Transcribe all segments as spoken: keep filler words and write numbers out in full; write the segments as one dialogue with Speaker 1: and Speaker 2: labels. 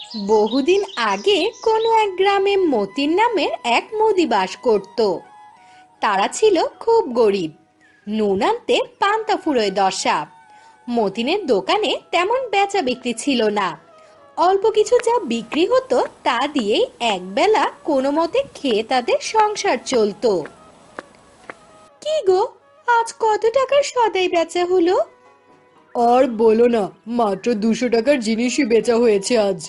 Speaker 1: বহুদিন আগে কোনো এক গ্রামে মতিন নামের এক মুদি বাস করত। তারা ছিল খুব গরিব, নুন আনতে পান্তা ফুরোয় দশা। মতিনের দোকানে তেমন বেচা বিক্রি ছিল না। অল্প কিছু যা বিক্রি হতো তা দিয়েই একবেলা কোনো মতে খেয়ে তাদের সংসার চলতো। কি গো, আজ কত টাকার সদাই বেচা হলো?
Speaker 2: আর বলো না, মাত্র দুশো টাকার জিনিসই বেচা হয়েছে আজ।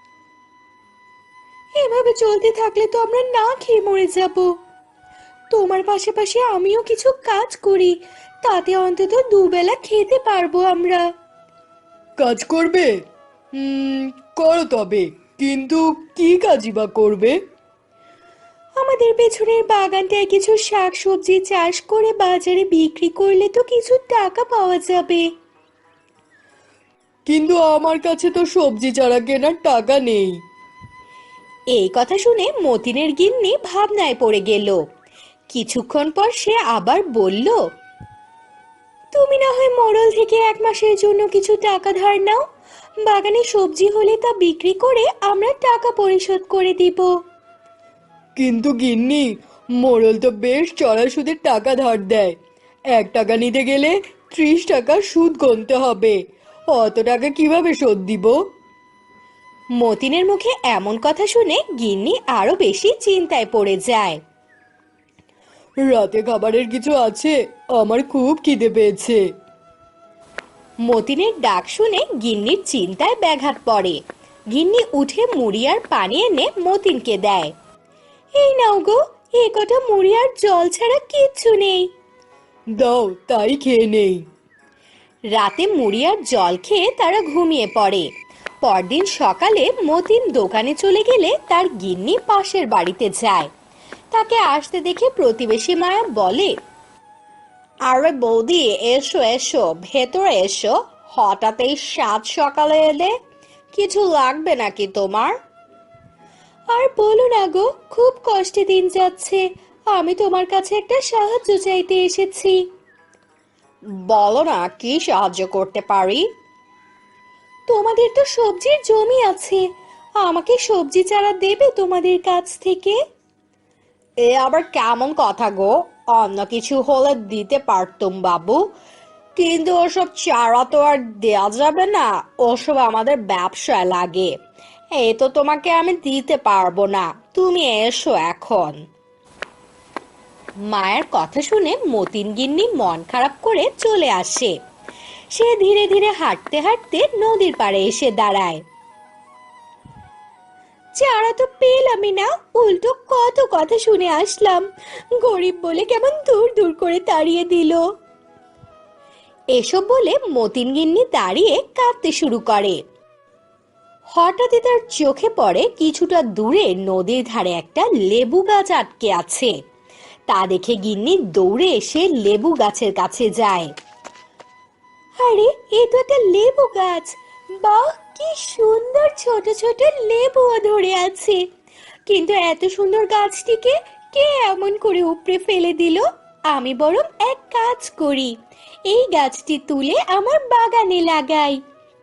Speaker 1: এভাবে চলতে থাকলে তো আমরা না খেয়ে মরে যাব। তোমার পাশাপাশি আমিও কিছু কাজ করি, তাতে অন্তত দুবেলা খেতে পারবো আমরা।
Speaker 2: কাজ করবে? হুম, করো তবে, কিন্তু কি কাজই বা করবে?
Speaker 1: আমাদের পেছনের বাগানটায় কিছু শাক সবজি চাষ করে বাজারে বিক্রি করলে তো কিছু টাকা পাওয়া যাবে।
Speaker 2: কিন্তু আমার কাছে তো সবজি চারা কেনার টাকা নেই।
Speaker 1: এই কথা শুনে মতিনের গিন্নি ভাবনায় পড়ে গেল। কিছুক্ষণ পর সে আবার বলল, তুমি না হয় মোড়ল থেকে এক মাসের জন্য কিছু টাকা ধার নাও। বাগানে সবজি হলে তা বিক্রি করে আমরা টাকা পরিশোধ করে দিব।
Speaker 2: কিন্তু গিন্নি, মোড়ল তো বেশ চড়া সুদের টাকা ধার দেয়। এক টাকা নিতে গেলে ত্রিশ টাকা সুদ গুনতে হবে। অত টাকা কিভাবে শোধ দিব?
Speaker 1: মতিনের মুখে এমন কথা শুনে গিন্নি আরো বেশি চিন্তায় পড়ে যায়।
Speaker 2: রাতে খাবারের কিছু আছে? আমার খুব খিদে পেয়েছে।
Speaker 1: মতিনের ডাক শুনে গিন্নির চিন্তায় ব্যাঘাত পড়ে। গিন্নি উঠে মুড়ি আর পানি এনে মতিনকে দেয়। এই নাও গো, এ কটা মুড়ি আর জল ছাড়া কিচ্ছু নেই।
Speaker 2: দাও, তাই খেয়ে নেই।
Speaker 1: রাতে মুড়ি আর জল খেয়ে তারা ঘুমিয়ে পড়ে। পরদিন সকালে মতিন দোকানে চলে গেলে তার গিন্নি পাশের বাড়িতে যায়। তাকে আসতে দেখে প্রতিবেশী মায়া বলে, আরে বৌদি, এসো এসো, ভেতরে এসো। হঠাৎ এই সাত সকালে এলে, কিছু লাগবে নাকি তোমার? আর বলো না গো, খুব কষ্টে দিন যাচ্ছে। আমি তোমার কাছে একটা সাহায্য চাইতে এসেছি। বলো না, কি সাহায্য করতে পারি? তোমাদের তো সবজির জমি আছে, আমাকে সবজি চারা দেবে তোমাদের কাছ থেকে? এ আবার কেমন কথা গো? অন্য কিছু হলে দিতে পারতুম বাবু, কিন্তু ওসব চারা তো আর দেয়া যাবে না। ওসব আমাদের ব্যবসায় লাগে। এই তো তোমাকে আমি দিতে পারবো না, তুমি এসো এখন। মায়ের কথা শুনে মতিন গিন্নি মন খারাপ করে চলে আসে। সে ধীরে ধীরে হাঁটতে হাঁটতে নদীর পাড়ে এসে দাঁড়ায়। চারা তো পেলামই না, উল্টো কত কথা শুনে আসলাম, গরিব বলে কেমন দূর দূর করে তাড়িয়ে দিল। এসব বলে মতিন গিন্নি দাঁড়িয়ে কাঁদতে শুরু করে। হঠাৎই তার চোখে পড়ে কিছুটা দূরে নদীর ধারে একটা লেবু গাছ আটকে আছে। তা দেখে গিন্নি দৌড়ে এসে লেবু গাছের কাছে যায়। আরে, এ তো একটা লেবু গাছ! বাহ, কি সুন্দর ছোট ছোট লেবুও ধরে আছে। কিন্তু এত সুন্দর গাছটিকে কে এমন করে উপড়ে ফেলে দিল? আমি বরং এক কাজ করি, এই গাছটি তুলে আমার বাগানে লাগাই।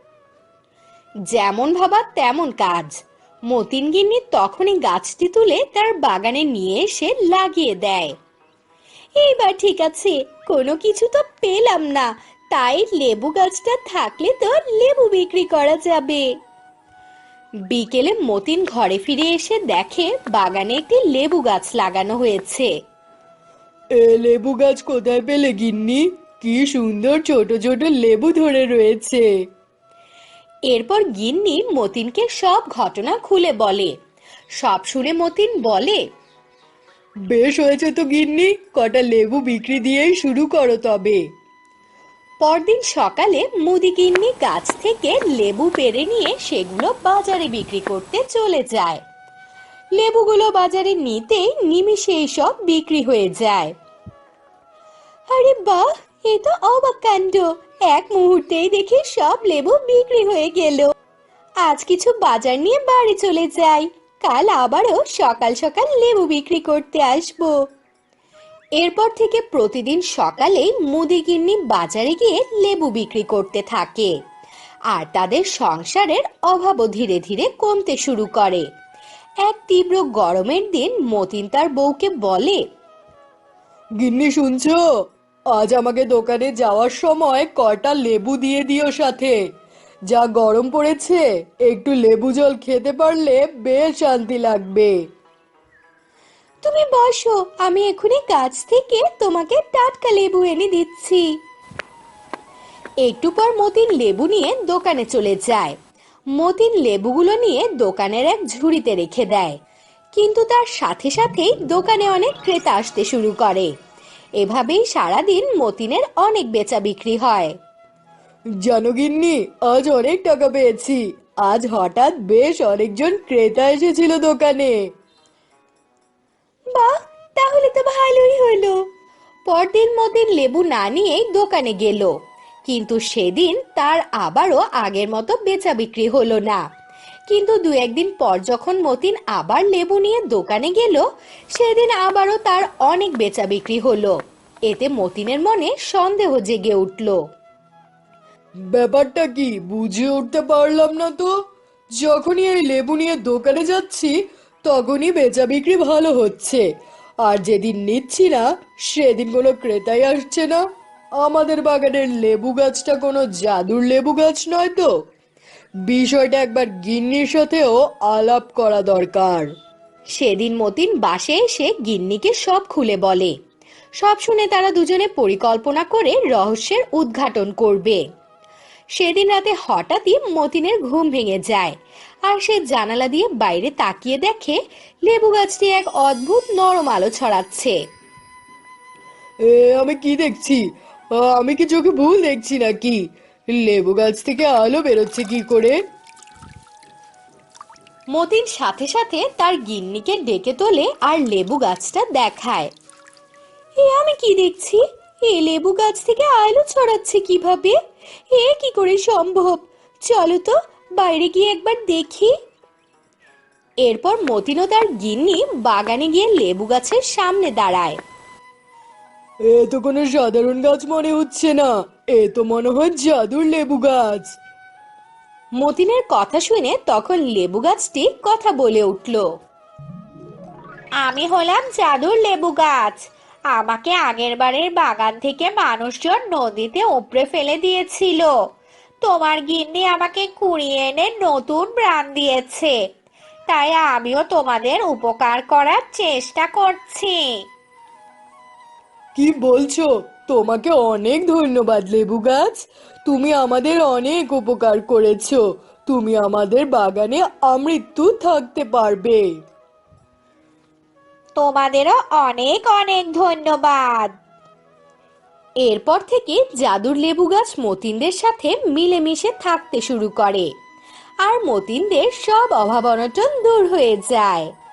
Speaker 1: যেমন ভাবা তেমন কাজ। মতিন গিন্নি তখনই গাছটি তুলে তার বাগানে নিয়ে এসে লাগিয়ে দেয়। এইবার ঠিক আছে, কোনো কিছু তো পেলাম না, তাই লেবু গাছটা থাকলে তো লেবু বিক্রি করা যাবে। বিকেলে মতিন ঘরে ফিরে এসে দেখে বাগানে একটি লেবু গাছ লাগানো হয়েছে।
Speaker 2: এ লেবু গাছ কোথায় পেলে গিন্নি? কি সুন্দর ছোট ছোট লেবু ধরে রয়েছে।
Speaker 1: এরপর গিন্নি মতিনকে সব ঘটনা খুলে বলে। সব শুনে মতিন বলে,
Speaker 2: বেশ হয়েছে তো গিন্নি, কটা লেবু বিক্রি দিয়েই শুরু করো তবে।
Speaker 1: পরদিন সকালে মুদি গিন্নি গাছ থেকে লেবু পেড়ে নিয়ে সেগুলো বাজারে বিক্রি করতে চলে যায়। লেবুগুলো বাজারে নিতেই নিমিষেই সব বিক্রি হয়ে যায়। আরে বাহ, এ তো অবাক কাণ্ড! এক মুহূর্তেই দেখি সব লেবু বিক্রি হয়ে গেল। আজ কিছু বাজার নিয়ে বাড়ি চলে যাই, কাল আবারও সকাল সকাল লেবু বিক্রি করতে আসবো। এরপর থেকে প্রতিদিন সকালে মুদি গিন্নি বাজারে গিয়ে লেবু বিক্রি করতে থাকে। আর তাদের সংসারের অভাবও ধীরে ধীরে কমতে শুরু করে। এক তীব্র গরমের দিন মতিন তার বউকে বলে,
Speaker 2: গিন্নি শুনছো? আজ আমাকে দোকানে যাওয়ার সময় কটা লেবু দিয়ে দিও সাথে। যা গরম পড়েছে, একটু লেবু জল খেতে পারলে বেশ শান্তি লাগবে।
Speaker 1: তুমি বসো, আমি এখনই গাছ থেকে তোমাকে টাটকা লেবু এনে দিচ্ছি। একটু পর মতিন লেবু নিয়ে দোকানে চলে যায়। মতিন লেবুগুলো নিয়ে দোকানের এক ঝুড়িতে রেখে দেয়, কিন্তু তার সাথে সাথেই দোকানে অনেক ক্রেতা আসতে শুরু করে। এভাবেই সারাদিন মতিনের অনেক বেচা বিক্রি হয়।
Speaker 2: জানো গিন্নি, আজ অনেক টাকা পেয়েছি। আজ হঠাৎ বেশ অনেকজন ক্রেতা এসেছিল দোকানে।
Speaker 1: বাহ, তাহলে তো ভালোই হলো। পরদিন মতিন লেবু না নিয়েই দোকানে গেল, কিন্তু সেদিন তার আবারও আগের মতো বেচা বিক্রি হলো না। কিন্তু দু একদিন পর যখন মতিন আবার লেবু নিয়ে দোকানে গেল, সেদিন আবারও তার অনেক বেচা বিক্রি হলো। এতে মতিনের মনে সন্দেহ জেগে উঠল।
Speaker 2: ব্যাপারটা কি বুঝে উঠতে পারলাম না তো। যখনই এই লেবু নিয়ে দোকানে যাচ্ছি, তখনই বেচা বিক্রি ভালো হচ্ছে, আর যেদিন নিচ্ছি না সেদিন কোনো ক্রেতাই আসছে না। আমাদের বাগানের লেবু গাছটা কোনো জাদুর লেবু গাছ নয় তো? বিষয়টা একবার গিন্নির সাথেও আলাপ করা দরকার।
Speaker 1: সেদিন মতিন বাসে এসে গিন্নিকে সব খুলে বলে। সব শুনে তারা দুজনে পরিকল্পনা করে রহস্যের উদ্ঘাটন করবে। সেদিন রাতে হঠাৎই মতিনের ঘুম ভেঙে যায়, আর সে জানালা দিয়ে বাইরে তাকিয়ে দেখে লেবু গাছটি এক অদ্ভুত নরম আলো ছড়াচ্ছে।
Speaker 2: এ আমি কি দেখছি? আ, আমি কি চোখে ভুল দেখছি নাকি? লেবু গাছ থেকে আলো বেরোচ্ছে কি করে?
Speaker 1: মতিন সাথে সাথে তার গিন্নিকে ডেকে তোলে আর লেবু গাছটা দেখায়। এ আমি কি দেখছি? এ লেবু গাছ থেকে আলো ছড়াচ্ছে কিভাবে? এ কি করে সম্ভব? চলো তো বাইরে গিয়ে একবার দেখি। এরপর মতিন ও তার গিন্নি বাগানে গিয়ে লেবু গাছের সামনে দাঁড়ায়।
Speaker 2: এ তো কোনো সাধারণ গাছ মনে হচ্ছে না। এ তো মনে হয় জাদুর লেবু গাছ।
Speaker 1: মতিনের কথা শুনে তখন লেবু গাছটি কথা বলে উঠল। আমি হলাম জাদুর লেবু গাছ। আমাকে আগের বারের বাগান থেকে মানুষজন নদীতে উপড়ে ফেলে দিয়েছিল। তোমার গিন্নি আমাকে কুড়িয়ে এনে নতুন প্রাণ দিয়েছে, তাই আমিও তোমাদের উপকার করার চেষ্টা করছি।
Speaker 2: কি বলছো? তোমাকে অনেক ধন্যবাদ লেবু গাছ। তুমি আমাদের অনেক উপকার করেছো। তুমি আমাদের বাগানে আমৃত্যু থাকতে পারবে।
Speaker 1: তোমাদেরও অনেক অনেক ধন্যবাদ। এরপর থেকে জাদুর লেবু গাছ মতিনদের সাথে মিলেমিশে থাকতে শুরু করে, আর মতিনদের সব অভাব অনটন দূর হয়ে যায়।